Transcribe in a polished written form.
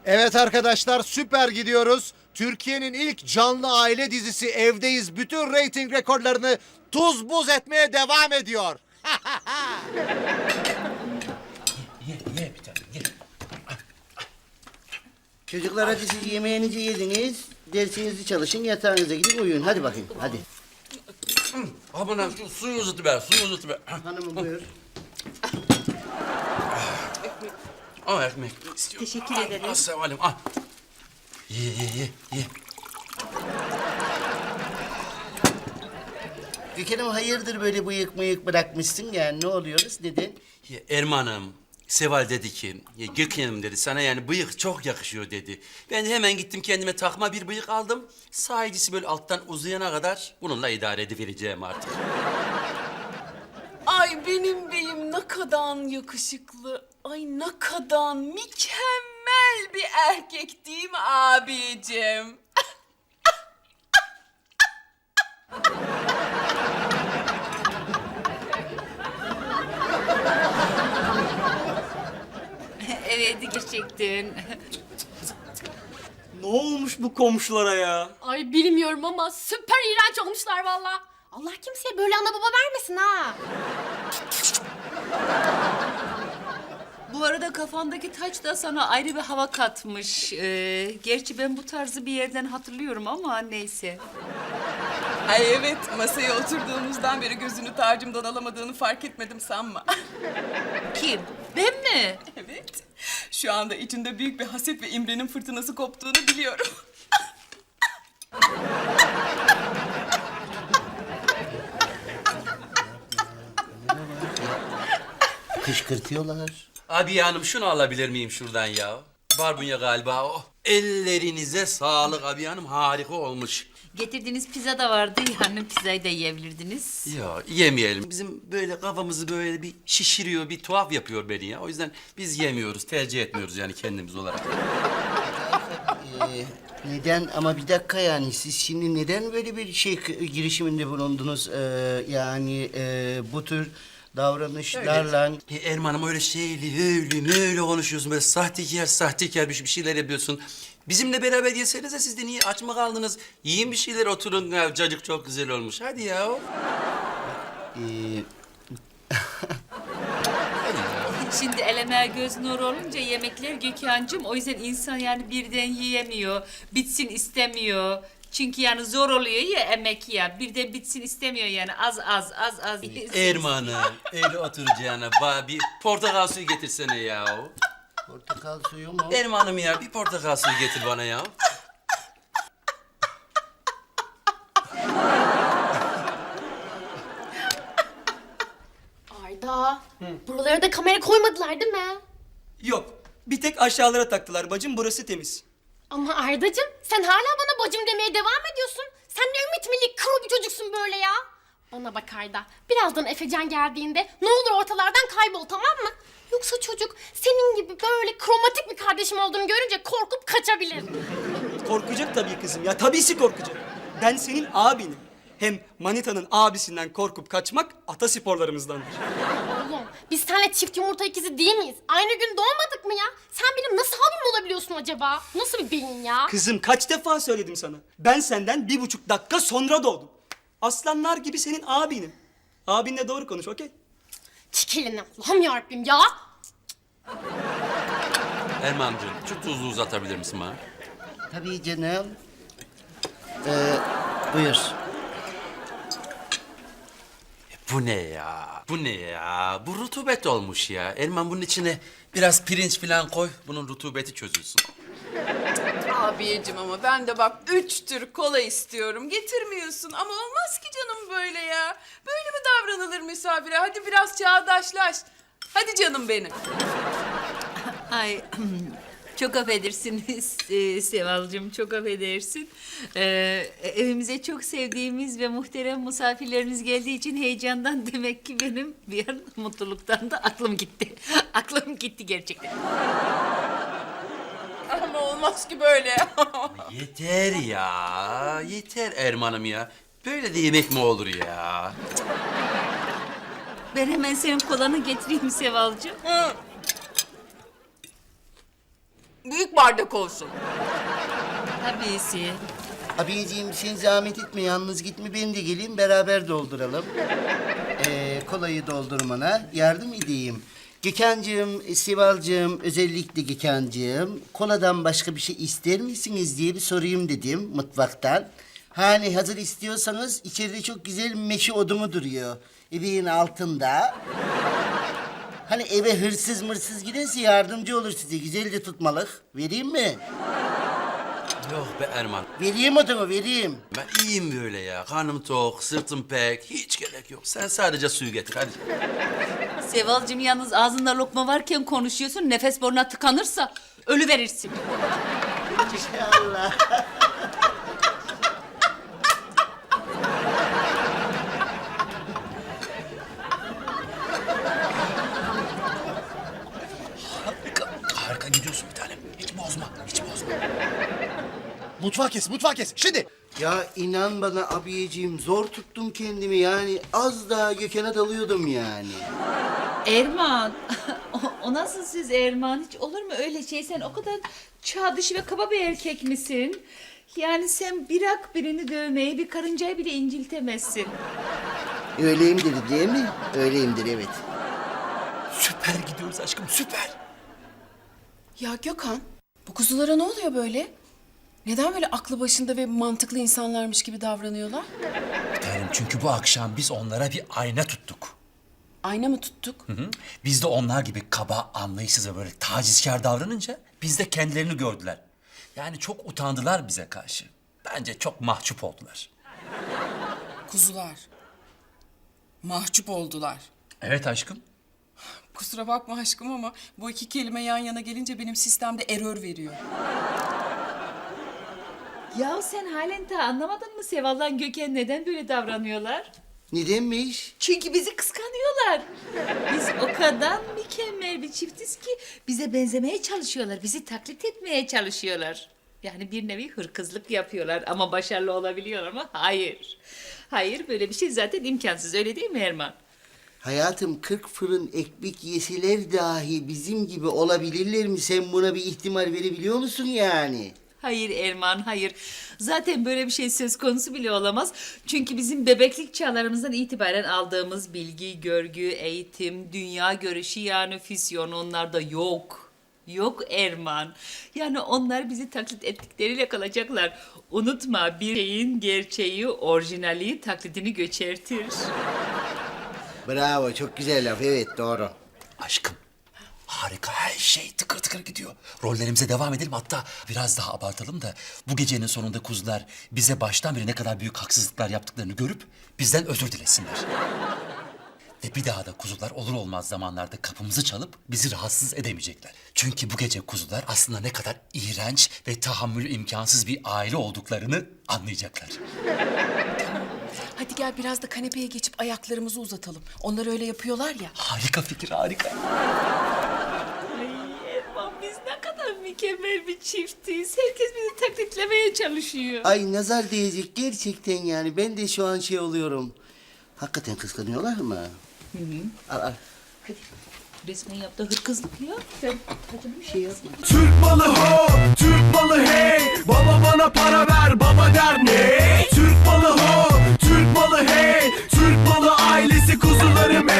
Evet arkadaşlar, süper gidiyoruz. Türkiye'nin ilk canlı aile dizisi Evdeyiz bütün reyting rekorlarını tuz buz etmeye devam ediyor. Ye bir tane ye. Çocuklar hadi siz yemeğinizi yediniz. Dersinizi çalışın, yatağınıza gidin uyuyun. Hadi bakayım, hadi. Aman şu suyu uzatıver, suyu uzatıver. Hanımım buyur. Al ekmek istiyorum. Teşekkür ederim. Al Seval'im al. Ye. Gökhan'ım hayırdır böyle bıyık bırakmışsın yani ne oluyoruz neden? Ya Erman'ım, Seval dedi ki, ya Gökhan'ım dedi, sana yani bıyık çok yakışıyor dedi. Ben de hemen gittim kendime takma bir bıyık aldım. Sahicisi böyle alttan uzayana kadar bununla idare edivereceğim artık. Ay benim beyim ne kadar yakışıklı. Ay ne kadar mükemmel bir erkek değil mi abicim? Evet gerçekten. Ne olmuş bu komşulara ya? Ay bilmiyorum ama süper iğrenç olmuşlar valla. Allah kimseye böyle ana baba vermesin ha. Bu arada kafandaki taç da sana ayrı bir hava katmış. Gerçi ben bu tarzı bir yerden hatırlıyorum ama neyse. Ay evet, masaya oturduğumuzdan beri gözünü tacımdan alamadığını fark etmedim sanma. Kim? Ben mi? Evet, şu anda içinde büyük bir haset ve imrenin fırtınası koptuğunu biliyorum. Kışkırtıyorlar. Abi hanım şunu alabilir miyim şuradan ya? Barbunya galiba o. Ellerinize sağlık abi hanım, harika olmuş. Getirdiğiniz pizza da vardı yani pizzayı da yiyebilirdiniz. Ya yemeyelim. Bizim böyle kafamızı böyle bir şişiriyor, bir tuhaf yapıyor beni ya. O yüzden biz yemiyoruz, tercih etmiyoruz yani kendimiz olarak. Neden ama bir dakika yani siz şimdi neden böyle bir şey girişiminde bulundunuz? Yani bu tür davranışlarla... Erman'ım öyle öyle konuşuyorsun. Böyle sahtekar bir şeyler yapıyorsun. Bizimle beraber yesenize, siz de niye aç mı kaldınız? Yiyin bir şeyler, oturun. Ya, cacık çok güzel olmuş. Hadi ya. Şimdi eleme göz nuru olunca yemekler Gökhan'cığım. O yüzden insan yani birden yiyemiyor. Bitsin istemiyor. Çünkü yani zor oluyor ya emek ya. Birden bitsin istemiyor yani az. Erman'ım öyle oturacağına bir portakal suyu getirsene ya. Portakal suyu mu? Erman'ım ya bir portakal suyu getir bana ya. Arda, buralara da kamera koymadılar değil mi? Yok. Bir tek aşağılara taktılar bacım, burası temiz. Ama Ardacığım sen hala bana bacım demeye devam ediyorsun. Sen ne ümit milli kuru bir çocuksun böyle ya. Bana bak Arda, birazdan Efecan geldiğinde ne olur ortalardan kaybol tamam mı? Yoksa çocuk senin gibi böyle kromatik bir kardeşim olduğunu görünce korkup kaçabilir. Korkacak tabii kızım ya, tabisi korkacak. Ben senin abinim. Hem manitanın abisinden korkup kaçmak atasporlarımızdandır. Oğlum biz seninle çift yumurta ikizi değil miyiz? Aynı gün doğmadık mı ya? Sen benim nasıl abim olabiliyorsun acaba? Nasıl bir beyin ya? Kızım kaç defa söyledim sana. Ben senden 1,5 dakika sonra doğdum. Aslanlar gibi senin abinim. Abinle doğru konuş, okey? Çık elini Allah'ım yarabbim ya. Erman'cığım şu tuzlu uzatabilir misin bana? Tabii canım. Buyur. Bu ne ya? Bu ne ya? Bu rutubet olmuş ya. Erman bunun içine biraz pirinç falan koy. Bunun rutubeti çözülsün. Abiyeciğim ama ben de bak 3 tür kola istiyorum. Getirmiyorsun ama olmaz ki canım böyle ya. Böyle mi davranılır misafire? Hadi biraz çağdaşlaş. Hadi canım benim. Ay çok affedersiniz Sevalcığım, çok affedersin. Evimize çok sevdiğimiz ve muhterem misafirleriniz geldiği için heyecandan demek ki benim bir an mutluluktan da aklım gitti. Aklım gitti gerçekten. Ama olmaz ki böyle. Yeter ya. Yeter Erman'ım ya. Böyle de yemek mi olur ya? Ben hemen senin kolanı getireyim Sevalcığım. büyük bardak olsun. Tabisi. Abiciğim sen zahmet etme, yalnız gitme, ben de geleyim, beraber dolduralım. Kolayı doldurmana yardım edeyim. Gökhan'cığım, Sival'cığım, özellikle Gökhan'cığım, koladan başka bir şey ister misiniz diye bir sorayım dedim mutfaktan. Hani hazır istiyorsanız içeride çok güzel meşe odunu duruyor. Ebeğin altında. Hani eve hırsız mırsız giderse yardımcı olur size. Güzel de tutmalık. Vereyim mi? Yok be Erman. Vereyim odunu, vereyim. Ben iyiyim böyle ya. Karnım tok, sırtım pek. Hiç gerek yok. Sen sadece suyu getir hadi. Sevalcığım yalnız ağzında lokma varken konuşuyorsun. Nefes boruna tıkanırsa ölü verirsin. İnşallah. Harika gidiyorsun bir tanem. Hiç bozma, hiç bozma. Mutfağı kes. Şimdi. Ya inan bana abiyeciğim, zor tuttum kendimi yani. Az daha Gökhan'a dalıyordum yani. Erman. O nasıl siz Erman? Hiç olur mu öyle şey? Sen o kadar çağ dışı ve kaba bir erkek misin? Yani sen bırak birini dövmeyi, bir karıncayı bile inciltemezsin. Öyleyimdir değil mi? Öyleyimdir, evet. Süper gidiyoruz aşkım, süper. Ya Gökhan, bu kuzulara ne oluyor böyle? Neden böyle aklı başında ve mantıklı insanlarmış gibi davranıyorlar? Bir tanem, çünkü bu akşam biz onlara bir ayna tuttuk. Ayna mı tuttuk? Hı? Biz de onlar gibi kaba, anlayışsız ve böyle tacizkar davranınca biz de kendilerini gördüler. Yani çok utandılar bize karşı. Bence çok mahcup oldular. Kuzular. Mahcup oldular. Evet aşkım. Kusura bakma aşkım ama bu iki kelime yan yana gelince benim sistemde error veriyor. Ya sen halen daha anlamadın mı Seval'la Gökhan neden böyle davranıyorlar? Nedenmiş? Çünkü bizi kıskanıyorlar. Biz o kadar mükemmel bir çiftiz ki bize benzemeye çalışıyorlar. Bizi taklit etmeye çalışıyorlar. Yani bir nevi hırkızlık yapıyorlar ama başarılı olabiliyorlar ama hayır. Hayır, böyle bir şey zaten imkansız, öyle değil mi Erman? Hayatım, 40 fırın ekmek yeseler dahi bizim gibi olabilirler mi? Sen buna bir ihtimal verebiliyor musun yani? Hayır Erman, hayır. Zaten böyle bir şey söz konusu bile olamaz. Çünkü bizim bebeklik çağlarımızdan itibaren aldığımız bilgi, görgü, eğitim, dünya görüşü yani füzyon onlarda yok. Yok Erman. Yani onlar bizi taklit ettikleriyle kalacaklar. Unutma, bir şeyin gerçeği, orijinali taklidini göçertir. Bravo, çok güzel laf, evet doğru. Aşkım. Harika, her şey tıkır tıkır gidiyor. Rollerimize devam edelim, hatta biraz daha abartalım da bu gecenin sonunda kuzular bize baştan beri ne kadar büyük haksızlıklar yaptıklarını görüp bizden özür dilesinler. Ve bir daha da kuzular olur olmaz zamanlarda kapımızı çalıp bizi rahatsız edemeyecekler. Çünkü bu gece kuzular aslında ne kadar iğrenç ve tahammülü imkansız bir aile olduklarını anlayacaklar. Hadi gel biraz da kanepeye geçip ayaklarımızı uzatalım. Onlar öyle yapıyorlar ya. Harika fikir, harika. Ay Erman, biz ne kadar mükemmel bir çiftiz. Herkes bizi taklitlemeye çalışıyor. Ay nazar değecek gerçekten yani. Ben de şu an şey oluyorum. Hakikaten kıskanıyorlar mı? Hı hı. Al. Resmen yaptığı hırkızlık ya. Sen hadi bir şey yapma. Türk malı ho, Türk malı hey. Baba bana para ver, baba der ne? Türk malı ho, Türk malı hey. Türk malı ailesi kuzularım